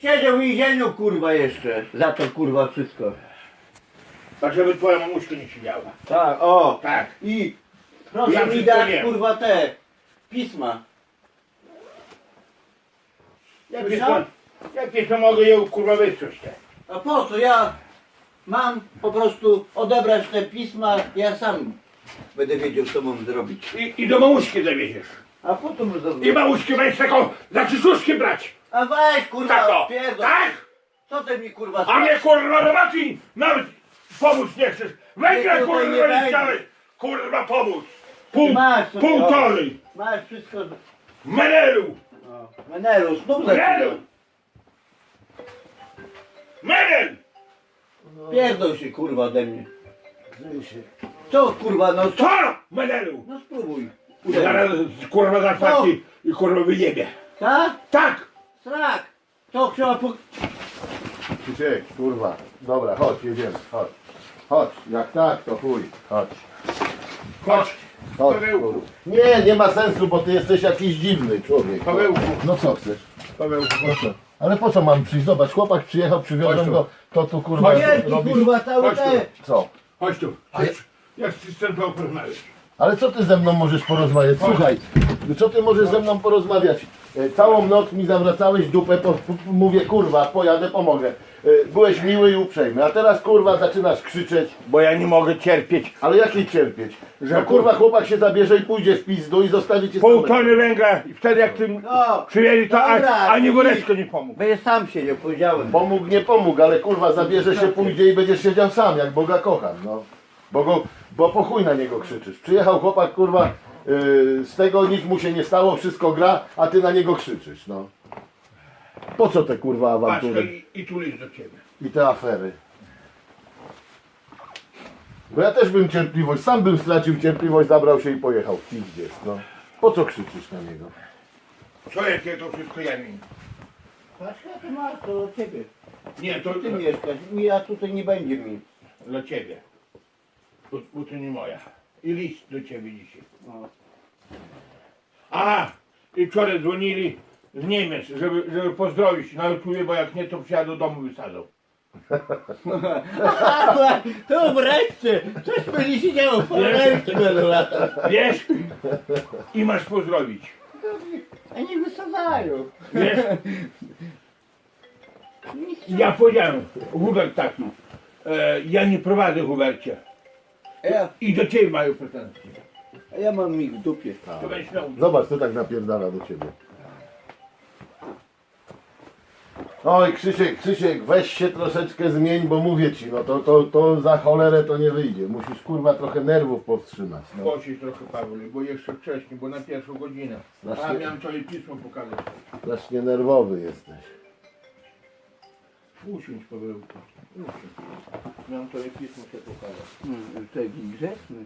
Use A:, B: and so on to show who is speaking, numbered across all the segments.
A: Siedział w więzieniu, kurwa, jeszcze. Za to, kurwa, wszystko.
B: Tak, żeby twoja mamuśka nie siedziała.
A: Tak, o.
B: Tak.
A: I proszę
B: Ja
A: mi
B: wszystko
A: dać,
B: wiem.
A: kurwa, te pisma.
B: Jakieś to mogę je kurwa wysłać te.
A: A po co? Ja mam po prostu odebrać te pisma, ja sam będę wiedział, co mam zrobić.
B: I do mamuśki zawieziesz.
A: A po co mu
B: I
A: zrobić?
B: mamuśki będziesz taką za krzyżuszki brać.
A: A weź,
B: Tak
A: kurwa,
B: o.
A: pierdol.
B: Tak?
A: Co ty mi, kurwa,
B: A mnie kurwa roboty nawet pomóc nie chcesz. Węgla
A: Nie, tutaj nie
B: kurwa nie
A: będzie.
B: chciałeś. Kurwa pomóc.
A: Masz sobie,
B: Półtorej.
A: Masz wszystko.
B: Menelu.
A: O, Menelu, znów zaczyna.
B: Menelu. Menel.
A: Pierdol się, kurwa, ode mnie. Co, kurwa, no co?
B: Co? Menelu.
A: No spróbuj.
B: Zaraz kurwa zapłaci i kurwa wyjebie.
A: Tak?
B: Tak.
A: Srak. To trzeba po...
C: Krzysiek, kurwa. Dobra, chodź, jedziemy, chodź. Chodź, jak tak, to chuj, chodź.
B: Chodź.
C: Chodź,
B: Pawełku.
C: kurwa. Nie ma sensu, bo ty jesteś jakiś dziwny człowiek.
B: Pawełku.
C: No co chcesz?
B: Pawełku.
C: Po co? Ale po co mam przyjść? Zobacz, chłopak przyjechał,
B: Chodź
C: przywiozłem
B: tu.
C: go, to tu kurwa
A: Wielki,
C: robisz.
A: kurwa, cały
B: Chodź tu.
A: te...
C: Co?
B: Chodź tu. Chodź. Jak ty z tym porozmawiać?
C: Ale co ty ze mną możesz porozmawiać? Słuchaj, co ty możesz ze mną porozmawiać? Całą noc mi zawracałeś dupę, mówię kurwa, pojadę, pomogę. Byłeś miły i uprzejmy, a teraz kurwa zaczynasz krzyczeć.
B: Bo ja nie mogę cierpieć.
C: Ale jakiej cierpieć?
B: Że
C: No kurwa chłopak się zabierze i pójdzie w pizdu i zostawi cię
B: Pół
C: samego.
B: tony węgla i wtedy jak tym
A: No,
B: przywieźli to
A: dobra,
B: ani
A: idź.
B: woreczko nie pomógł.
A: Będę sam siedział, powiedziałem.
C: Pomógł, nie pomógł, ale kurwa zabierze się, pójdzie i będziesz siedział sam, jak Boga kocham, no. Bo po chuj na niego krzyczysz. Przyjechał chłopak kurwa, z tego nic mu się nie stało, wszystko gra, a ty na niego krzyczysz, no. Po co te kurwa
B: Patrz,
C: awantury
B: i tu list do ciebie.
C: i te afery? Bo ja też bym cierpliwość, sam bym stracił cierpliwość, zabrał się i pojechał w pizdziec, no. Po co krzyczysz na niego?
B: Co jakie to wszystko ja mi?
A: Patrz, ja to masz, to od ciebie.
B: Nie, to
A: Ty mieszkasz, ja tutaj nie będzie mi.
B: dla ciebie. Bo to nie moja. I list do ciebie dzisiaj.
A: O.
B: Aha! I wczoraj dzwonili z Niemiec, żeby pozdrowić na YouTubie, bo jak nie to przyjadę do domu wysadzą.
A: To wreszcie! Coś będzie się działo, po ręce będą latać.
B: Wiesz? I masz pozdrowić.
A: A nie wysadzają.
B: Wiesz? Ja powiedziałem, Hubert taki, ja nie prowadzę Hubercie. I do ciebie mają pretensje.
A: A ja mam ich w dupie.
B: To będziesz miał.
C: Zobacz, co tak napierdala do ciebie. Oj, Krzysiek, weź się troszeczkę zmień, bo mówię ci, no to za cholerę to nie wyjdzie. Musisz kurwa trochę nerwów powstrzymać. No.
B: Posiedź trochę Paweł, bo jeszcze wcześniej, bo na pierwszą godzinę. A
C: Strasznie,
B: miałem twoje pismo pokazać.
C: strasznie nerwowy jesteś.
B: Usiądź Pawełku. Usiądź. Miałem twoje pismo się pokazać.
A: Taki grzeczny.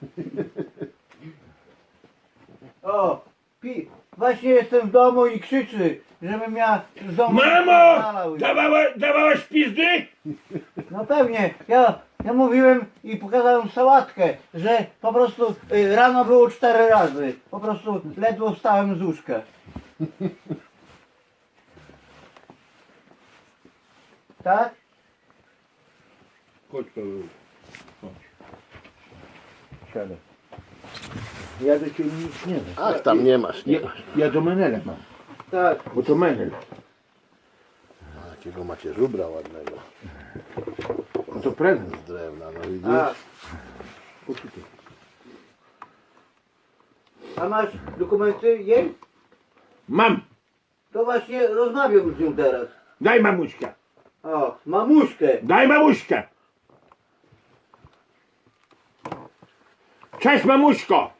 A: O, właśnie jestem w domu i krzyczy, żebym ja z domu
B: Mamo!
A: wypierdalał.
B: Dawałaś pizdy?
A: No pewnie, ja mówiłem i pokazałem sałatkę, że po prostu rano było 4 razy. Po prostu ledwo wstałem z łóżka. Tak?
B: Chodź Paweł. Chodź. Siadaj.
A: Ja do ciebie nic nie wiem.
C: Ach, tam nie masz, nie
B: Ja,
C: masz.
B: ja do Menela mam,
A: Tak.
B: bo to Menel.
C: Jakiego macie żubra ładnego.
B: No to prezent.
C: Z drewna, no widzisz?
A: A masz dokumenty jej?
B: Mam!
A: To właśnie rozmawiam z nią teraz.
B: Daj mamuśkę!
A: O, mamuśkę.
B: Daj mamuśkę! Cześć mamuśko!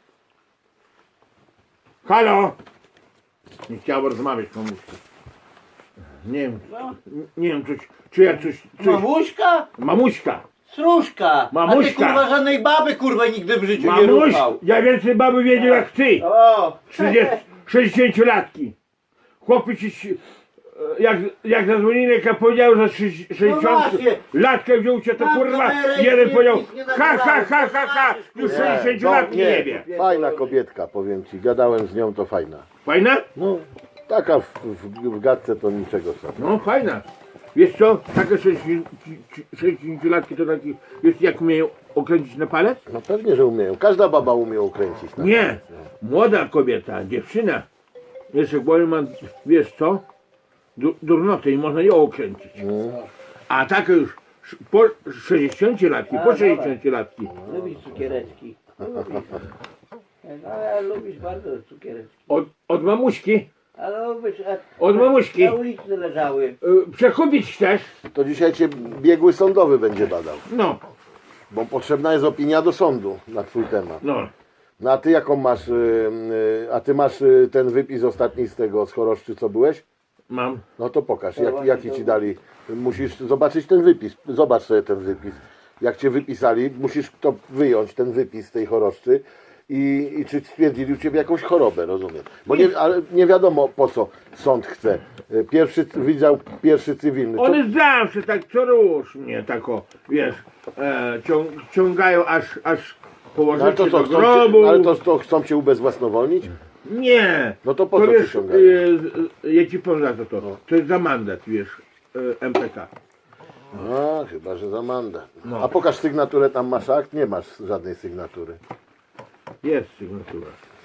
B: Halo! Nie chciałem rozmawiać mamuśko. Nie wiem, nie wiem czy ja coś...
A: Mamuśka?
B: Mamuśka!
A: Stróżka.
B: Mamuśka.
A: A ty kurwa żadnej baby kurwa nigdy w życiu nie
B: Mamuś!
A: ruchał.
B: Ja więcej baby wiedział jak ty!
A: O,
B: 60-latki. Chłopy ci... Jak zadzwonili, jak ja powiedział, że 60
A: właśnie.
B: latkę wziął cię, to
A: Mam
B: kurwa
A: kamerę i
B: jeden
A: nic
B: powiedział
A: nie
B: ha
A: nagrałem.
B: już
A: Nie,
B: 60 latki nie wie.
C: Fajna kobietka, powiem ci, gadałem z nią, to fajna.
B: Fajna?
C: No, Taka w gadce to niczego sobie.
B: No fajna. Wiesz co, takie 60-latki to taki, wiesz jak umieją okręcić na palec?
C: No pewnie, że umieją. Każda baba umie ukręcić. Tak?
B: Nie, młoda kobieta, dziewczyna. Jeszcze bo ma, wiesz co, durnotę i można ją okręcić. A takie już po 60-latki, po 60-latki.
A: Lubisz cukiereczki. Lubisz. No, ale lubisz bardzo cukiereczki.
B: Od mamuśki,
A: Ale lubisz,
B: od mamuśki.
A: na ulicy leżały.
B: Przekupić chcesz?
C: To dzisiaj cię biegły sądowy będzie badał.
B: No,
C: Bo potrzebna jest opinia do sądu na twój temat.
B: no.
C: No a ty jaką masz, a ty masz ten wypis ostatni z tego, z choroszczy, co byłeś?
B: Mam.
C: No to pokaż, jaki ci dali. Musisz zobaczyć ten wypis, zobacz sobie ten wypis. Jak cię wypisali, musisz to wyjąć, ten wypis z tej choroszczy i czy stwierdzili u ciebie jakąś chorobę, rozumiem. Bo nie, ale nie wiadomo po co sąd chce. Pierwszy wydział, pierwszy cywilny. Co?
B: One zawsze tak co rusz mnie tak o, wiesz, ciągają aż
C: No, ale
B: położyć
C: to
B: do
C: co,
B: grobu.
C: ale to chcą cię ubezwłasnowolnić?
B: Nie.
C: No to po
B: To
C: co cię
B: wiesz,
C: ciągają?
B: ja ci powiem za to. To jest za mandat, wiesz, MPK.
C: A, chyba, że za mandat.
B: No.
C: A pokaż sygnaturę, tam masz akt? Nie masz żadnej sygnatury.
B: Jest sygnatura.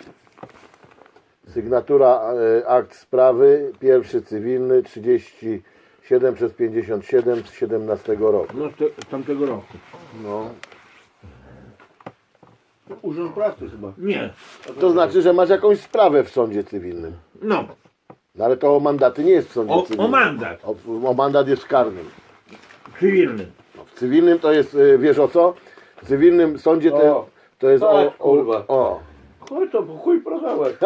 C: Sygnatura, akt sprawy, pierwszy cywilny, 37/57 z 17 roku.
B: No z tamtego roku.
C: No.
A: Urząd Pracy chyba.
B: Nie.
C: To znaczy, że masz jakąś sprawę w sądzie cywilnym.
B: No.
C: No ale to o mandaty nie jest w sądzie cywilnym.
B: O mandat.
C: O mandat jest w karnym.
B: Cywilny.
C: No, w cywilnym to jest, wiesz o co? W cywilnym sądzie to jest
A: tak, kurwa.
C: o.
A: Chuj to, po chuj prosałek.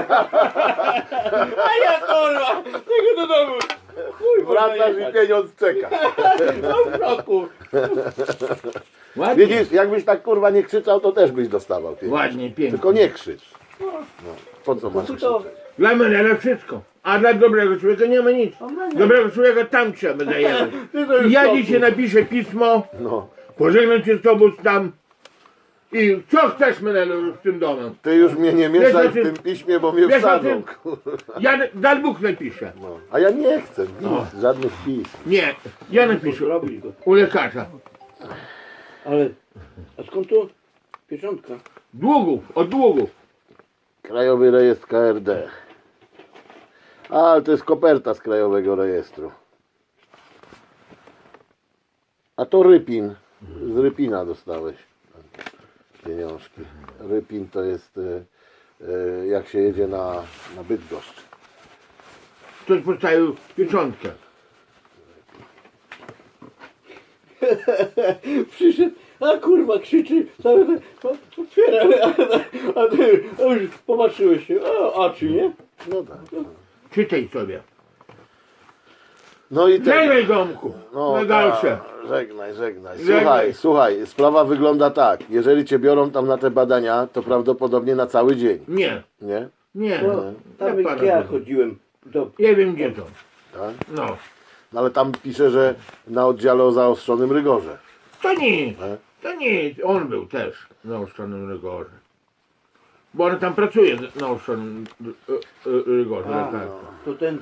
A: A ja kurwa, tego do domu. Chuj
C: Wracasz i pieniądz czeka.
A: No w roku.
B: Ładnie.
C: Widzisz, jakbyś tak kurwa nie krzyczał, to też byś dostawał pieniądz.
B: Ładnie, pięknie.
C: Tylko nie krzycz. No. Po co masz
A: To
C: krzyczeć?
B: Dla mnie ale wszystko. A dla dobrego człowieka nie ma nic. Dobrego człowieka tam trzeba daje. Ja dzisiaj napiszę pismo,
C: No.
B: pożegnam cię z tobą tam i co chcesz Menelu z tym domem?
C: Ty już mnie nie mieszaj w
B: Wiesz o
C: tym piśmie, bo mnie
B: Wiesz o
C: wsadzą.
B: tym? Ja dal Bóg napiszę.
C: No. A ja nie chcę nic, żadnych pism.
B: Nie, ja napiszę
A: Robisz go.
B: u lekarza.
A: Ale, a skąd tu pieczątka?
B: Długów, od długów.
C: Krajowy Rejestr KRD. A, ale to jest koperta z Krajowego Rejestru. A to Rypin. Z Rypina dostałeś pieniążki. Rypin to jest jak się jedzie na Bydgoszcz.
B: Ktoś postawił pieczątkę.
A: Przyszedł, a kurwa krzyczy, cały ten, otwiera, a ty już popatrzyłeś się, a czy nie?
C: No tak.
B: Czytaj sobie.
C: No i ten.
B: Żegnaj domku. Na dalsze.
C: Żegnaj, żegnaj.
B: Żegnaj.
C: Słuchaj, sprawa wygląda tak. Jeżeli cię biorą tam na te badania, to prawdopodobnie na cały dzień.
B: Nie,
C: Nie?
B: nie.
A: No, tam
B: Ja
A: ja
B: pana-
A: chodziłem do...
B: Nie wiem gdzie to.
C: Tak?
B: No.
C: No ale tam pisze, że na oddziale o zaostrzonym rygorze.
B: To nic.
C: E?
B: To nic. On był też na ostrzonym rygorze. Bo on tam pracuje na ostrzonym rygorze.
A: A,
B: lekarza.
A: to ten...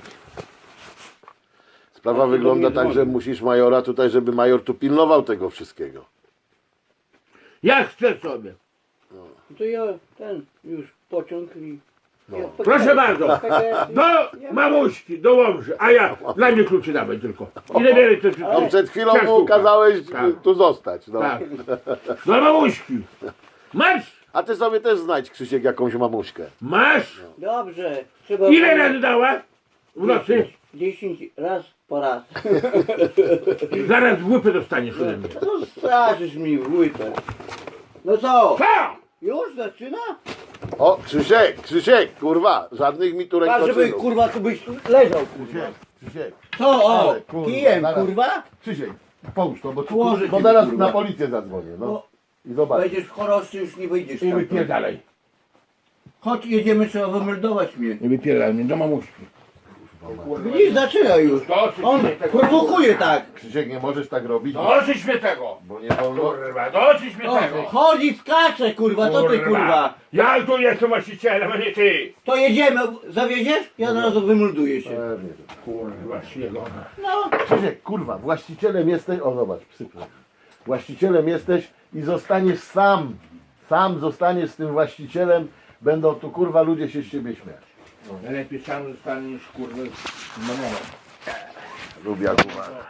C: Sprawa
A: to
C: wygląda
A: mnie
C: tak,
A: dzwoni.
C: że musisz majora tutaj, żeby major tu pilnował tego wszystkiego.
B: Ja chcę sobie.
A: To ja ten już pociąg i...
C: No.
A: Ja
B: Proszę bardzo. Do mamuśki, do Łomży. A ja, dla mnie kluczy dawaj tylko. I zabieraj to wszystko.
C: No przed chwilą
B: Ciastówka.
C: mu kazałeś
B: Tak.
C: tu zostać. No.
B: Tak. Do mamuśki. Masz?
C: A ty sobie też znajdź, Krzysiek, jakąś mamuśkę.
B: Masz?
A: Dobrze, trzeba...
B: Ile razy dała? W nocy?
A: 10 raz po raz.
B: Zaraz w łypę dostaniesz ode mnie.
A: No straszysz mi w łypę. No co?
B: Co?
A: Już zaczyna?
C: O, Krzysiek, kurwa, żadnych mi tu
A: Tak, żeby
C: rękoczynów.
A: kurwa tu byś leżał kurwa.
C: Krzysiek,
A: Co? O,
C: Ale, kurwa,
A: kijem
C: zaraz.
A: kurwa?
C: Krzysiek, połóż to,
A: Położę
C: bo
A: ci,
C: zaraz
A: kurwa.
C: na policję zadzwonię, no.
A: No.
C: I zobacz.
A: Wejdziesz w choroszczy, już nie wyjdziesz
B: I
A: tam.
B: wypierdalaj.
A: Chodź, jedziemy, trzeba wymeldować mnie.
B: I wypierdalaj mnie do mamuśki.
A: Widzisz, zaczyna już.
B: Dosyć
A: On
B: mnie tego.
A: prowokuje tak.
C: Krzysiek, nie możesz tak robić,
B: Dosyć mnie tego.
C: bo nie wolno.
B: Kurwa, dosyć mnie
A: O,
B: tego.
A: chodzi, skacze, kurwa, to ty, kurwa.
B: Ja tu jestem właścicielem, a nie ty.
A: To jedziemy, zawieziesz? Ja od razu wymulduję się.
C: Pewnie.
B: Kurwa, śniegona.
A: No,
C: Krzysiek, kurwa, właścicielem jesteś, o zobacz, psy. Właścicielem jesteś i zostaniesz sam. Sam zostaniesz z tym właścicielem, będą tu kurwa ludzie się z ciebie śmiać.
B: Lepiej sam zostaniesz, kurwa, mamą.
C: Lubię kurwa.